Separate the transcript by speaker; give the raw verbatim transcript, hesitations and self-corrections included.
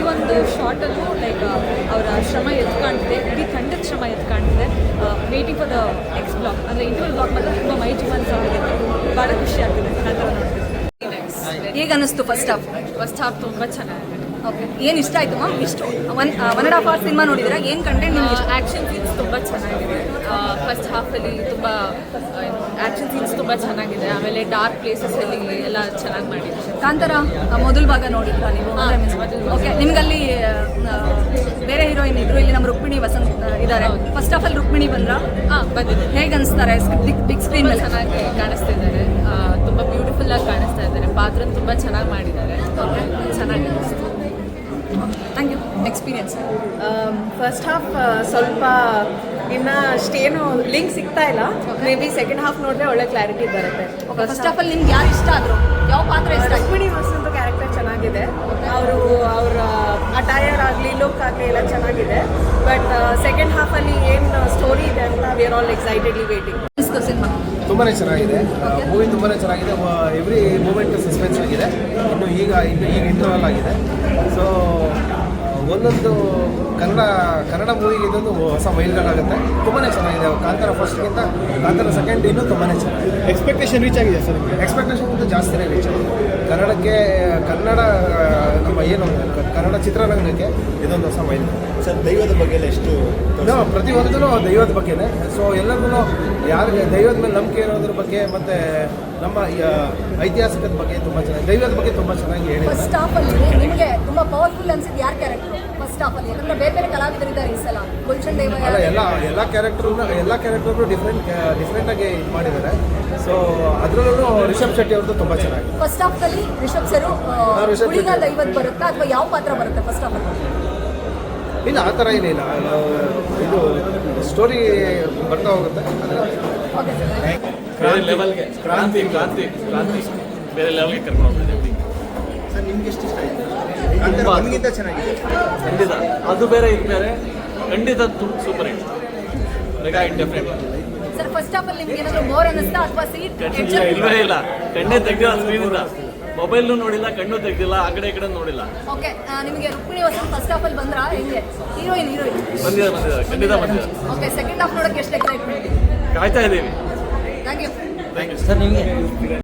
Speaker 1: ಪ್ರತಿಯೊಂದು ಶಾರ್ಟಲ್ಲೂ ಲೈಕ್ ಅವರ ಶ್ರಮ ಎದ್ದು ಕಾಣ್ತಿದೆ, ಇಡೀ ತಂಡದ ಶ್ರಮ ಎದ್ದು ಕಾಣ್ತಿದೆ. Waiting for the next block ಅಂದರೆ ಇಂಟರ್ವಲ್ ಬ್ಲಾಗ್ ಮಾತ್ರ ತುಂಬ ಮೈ ಜೀವನ್ಸ್ ಆಗಿದೆ, ಭಾಳ ಖುಷಿ ಆಗ್ತಿದೆ ಆ ಥರ ನೋಡ್ತಿದ್ದೆ.
Speaker 2: ಹೇಗೆ ಅನ್ನಿಸ್ತು ಫಸ್ಟ್ ಹಾಫ್?
Speaker 1: ಫಸ್ಟ್ ಹಾಫ್ ತುಂಬ ಚೆನ್ನಾಗಿದೆ.
Speaker 2: ಓಕೆ, ಏನು ಇಷ್ಟ ಆಯಿತು ಮ್ಯಾಮ್? ಇಷ್ಟು one one and half hour cinema ನೋಡಿದ್ರೆ ಏನು ಕಂಟೆಂಟ್ ನಿಮ್ಗೆ ಇಷ್ಟ?
Speaker 1: ಆ್ಯಕ್ಷನ್ ಸೀನ್ಸ್ ತುಂಬ ಚೆನ್ನಾಗಿದೆ. ಫಸ್ಟ್ ಹಾಫಲ್ಲಿ ತುಂಬ ಆ್ಯಕ್ಷನ್ ಸೀನ್ಸ್ ತುಂಬ ಚೆನ್ನಾಗಿದೆ. ಆಮೇಲೆ ಡಾರ್ಕ್ ಪ್ಲೇಸಸಲ್ಲಿ ಎಲ್ಲ ಚೆನ್ನಾಗಿ ಮಾಡಿದ್ದಾರೆ.
Speaker 2: ಕಾಂತಾರ ಮೊದಲ ಭಾಗ ನೋಡಿದ್ರಾ ನೀವು? ಓಕೆ, ನಿಮ್ಗಲ್ಲಿ ಬೇರೆ ಹೀರೋಯಿನ್ ಇದ್ರು, ಇಲ್ಲಿ ನಮ್ಮ ರುಕ್ಮಿಣಿ ವಸಂತ್ ಇದ್ದಾರೆ. ಫಸ್ಟ್ ಹಾಫಲ್ಲಿ ರುಕ್ಮಿಣಿ ಬಂದ್ರ?
Speaker 1: ಹಾಂ ಬಂದಿದೆ.
Speaker 2: ಹೇಗೆ ಅನಿಸ್ತಾರೆ ಬಿಗ್ ಸ್ಕ್ರೀನ್ ಮೇಲೆ?
Speaker 1: ಚೆನ್ನಾಗಿ ಕಾಣಿಸ್ತಿದ್ದಾರೆ, ತುಂಬ ಬ್ಯೂಟಿಫುಲ್ ಆಗಿ ಕಾಣಿಸ್ತಾ ಇದ್ದಾರೆ. ಪಾತ್ರ ತುಂಬ ಚೆನ್ನಾಗಿ ಮಾಡಿದ್ದಾರೆ. ಓಕೆ, ಚೆನ್ನಾಗಿ ಅನಿಸ್ತು.
Speaker 2: Thank you. Experience
Speaker 3: first half ಸ್ವಲ್ಪ ಇನ್ನು ಅಷ್ಟೇನು ಲಿಂಕ್ ಸಿಗ್ತಾ ಇಲ್ಲ. ಮೇ ಬಿ ಸೆಕೆಂಡ್ ಹಾಫ್ ನೋಡಿದ್ರೆ ಒಳ್ಳೆ ಕ್ಲಾರಿಟಿ ಬರುತ್ತೆ.
Speaker 2: ಫಸ್ಟ್ ಹಾಫಲ್ಲಿ ನಿಮ್ಗೆ ಯಾರು ಇಷ್ಟ ಆದರು? ಯಾವ ಪಾತ್ರ ಇಷ್ಟ?
Speaker 3: ರುಕ್ಮಿಣಿ ವಸಂತ ಕ್ಯಾರೆಕ್ಟರ್ ಚೆನ್ನಾಗಿದೆ. ಅವರು ಅವರ ಅಟೈರ್ ಆಗಲಿ ಲುಕ್ ಆಗಲಿ ಎಲ್ಲ ಚೆನ್ನಾಗಿದೆ. ಬಟ್ ಸೆಕೆಂಡ್ ಹಾಫಲ್ಲಿ ಏನು ಸ್ಟೋರಿ ಇದೆ ಅಂತ we are all excitedly waiting.
Speaker 2: Cinema
Speaker 4: ತುಂಬಾ ಚೆನ್ನಾಗಿದೆ. ಮೂವಿ ತುಂಬಾ ಚೆನ್ನಾಗಿದೆ. ಎವ್ರಿ ಮೂಮೆಂಟ್ ಸಸ್ಪೆನ್ಸ್ ಆಗಿದೆ. ಇನ್ನು ಈಗ ಇನ್ನು ಈಗ ಇಂಟರ್ವಲ್ ಆಗಿದೆ. ಸೊ ಒಂದೊಂದು ಕನ್ನಡ ಕನ್ನಡ ಮೂವಿಗೆ ಇದೊಂದು ಹೊಸ ಮೈಲ್ಗಲ್ಲಾಗುತ್ತೆ. ತುಂಬಾ ಚೆನ್ನಾಗಿದೆ. ಕಾಂತಾರ ಫಸ್ಟ್ಗಿಂತ ಕಾಂತಾರ ಸೆಕೆಂಡ್ ಇನ್ನೂ ತುಂಬಾ ಚೆನ್ನಾಗಿದೆ.
Speaker 5: ಎಕ್ಸ್ಪೆಕ್ಟೇಷನ್ ರೀಚ್ ಆಗಿದೆ ಸರ್?
Speaker 4: ಎಕ್ಸ್ಪೆಕ್ಟೇಷನ್ ಅಂತೂ ಜಾಸ್ತಿನೇ ರೀಚ್ ಆಗಿದೆ. ಕನ್ನಡಕ್ಕೆ ಕನ್ನಡ ನಮ್ಮ ಏನು ಕನ್ನಡ ಚಿತ್ರರಂಗಕ್ಕೆ ಇದೊಂದು ಹೊಸ ಮೈಲ್.
Speaker 5: ಸರ್, ದೈವದ ಬಗ್ಗೆ ಎಲ್ಲ ಎಷ್ಟು?
Speaker 4: ಪ್ರತಿಯೊಂದೂ ದೈವದ ಬಗ್ಗೆನೇ. ಸೊ ಎಲ್ಲರಿಗೂ ಯಾರಿಗೆ ದೈವದ ಮೇಲೆ ನಂಬಿಕೆ ಇರೋದ್ರ ಬಗ್ಗೆ ಮತ್ತು ನಮ್ಮ ಐತಿಹಾಸಿಕದ ಬಗ್ಗೆ ತುಂಬ ಚೆನ್ನಾಗಿ, ದೈವದ ಬಗ್ಗೆ ತುಂಬ ಚೆನ್ನಾಗಿ ಹೇಳಿದ್ದಾರೆ.
Speaker 2: ಫಸ್ಟ್ ಹಾಫಲ್ಲಿ ನಿಮಗೆ ತುಂಬ ಪವರ್ಫುಲ್ ಅನ್ಸಿದ್ದು ಯಾರು ಕ್ಯಾರೆಕ್ಟರ್ ಫಸ್ಟ್ ಹಾಫಲ್ಲಿ? ಯಾಕಂದ್ರೆ ಬೇರೆ ಬೇರೆ ಕಲಾವಿದರಿದ್ದಾರೆ ಈ ಸಲ. ಗುಲ್ಶನ್ ದೇವ
Speaker 4: ಅಲ್ಲ, ಎಲ್ಲ ಎಲ್ಲ ಕ್ಯಾರೆಕ್ಟರ್ನು ಎಲ್ಲ ಕ್ಯಾರೆಕ್ಟರ್ನು ಡಿಫ್ರೆಂಟ್ ಡಿಫ್ರೆಂಟಾಗಿ ಇದು ಮಾಡಿದ್ದಾರೆ. ಸೊ ಅದರಲ್ಲೂ ರಿಷಬ್ ಶೆಟ್ಟಿ ಅವ್ರದ್ದು ತುಂಬ ಚೆನ್ನಾಗಿದೆ.
Speaker 2: ಫಸ್ಟ್ ಹಾಫಲ್ಲಿ ರಿಷಬ್ ಸರು ಹುಡುಗ ದೈವದ ಬರುತ್ತಾ ಅಥವಾ ಯಾವ ಪಾತ್ರ ಬರುತ್ತೆ ಫಸ್ಟ್ ಹಾಫಲ್ಲಿ?
Speaker 4: ಇಲ್ಲ, ಆ ಥರ ಏನಿಲ್ಲ. ಇದು ಸ್ಟೋರಿ ಬರ್ತಾ ಹೋಗುತ್ತೆ.
Speaker 2: Okay sir.
Speaker 6: ಬೇರೆ ಲೆವೆಲ್ಗೆ ಕ್ರಾಂತಿ ಕ್ರಾಂತಿ ಕ್ರಾಂತಿ ಬೇರೆ ಲೆವೆಲ್ಗೆ ಕರ್ಕೊಂಡು ಹೋಗ್ತಿದ್ದೀವಿ.
Speaker 5: ಸರ್, ನಿಮ್ಗೆ ಎಷ್ಟು ಇಷ್ಟ ಆಯಿತು? ನಮಗಿಂತ ಚೆನ್ನಾಗಿದೆ
Speaker 6: ಖಂಡಿತ. ಅದು ಬೇರೆ ಇದು ಬೇರೆ, ಖಂಡಿತ super hit. Mega hit definite.
Speaker 2: Sir, first ಹಾಫಲ್ಲಿ ನಿಮ್ಗೆ ಏನಾದರೂ ಬೋರ್ ಅನ್ನಿಸ್ತಾ ಅಥವಾ ಸೀಟ್
Speaker 6: ಇಲ್ವೇ ಇಲ್ಲ. ಕಣ್ಣೇ ತೆಗ್ದಿಲ್ಲ ಸ್ಕ್ರೀನಿಂದ. ಮೊಬೈಲ್ನು ನೋಡಿಲ್ಲ, ಕಣ್ಣು ತೆಗ್ದಿಲ್ಲ, ಆ ಕಡೆ ಈ ಕಡೆ ನೋಡಿಲ್ಲ.
Speaker 2: ಓಕೆ, ನಿಮಗೆ ರುಕ್ಮಿಣಿ ವಸಂತ್ ಫಸ್ಟ್ ಹಾಫಲ್ಲಿ ಬಂದ್ರಾ? ಹೆಂಗೆ? ಹೀರೋಯಿನ್ ಹೀರೋಯಿನ್
Speaker 6: ಬಂದಿದ್ದಾರೆ ಬಂದಿದ್ದಾರೆ ಖಂಡಿತ ಬಂದಿದ್ದಾರೆ.
Speaker 2: ಓಕೆ, ಸೆಕೆಂಡ್ ಹಾಫ್ ನೋಡೋಕ್ಕೆ ಎಷ್ಟು ಎಕ್ಸೈಟ್ಮೆಂಟ್?
Speaker 6: ಕಾಯ್ತಾ ಇದ್ದೀವಿ.
Speaker 2: Thank you.
Speaker 6: Thank you sir. ನಿಮಗೆ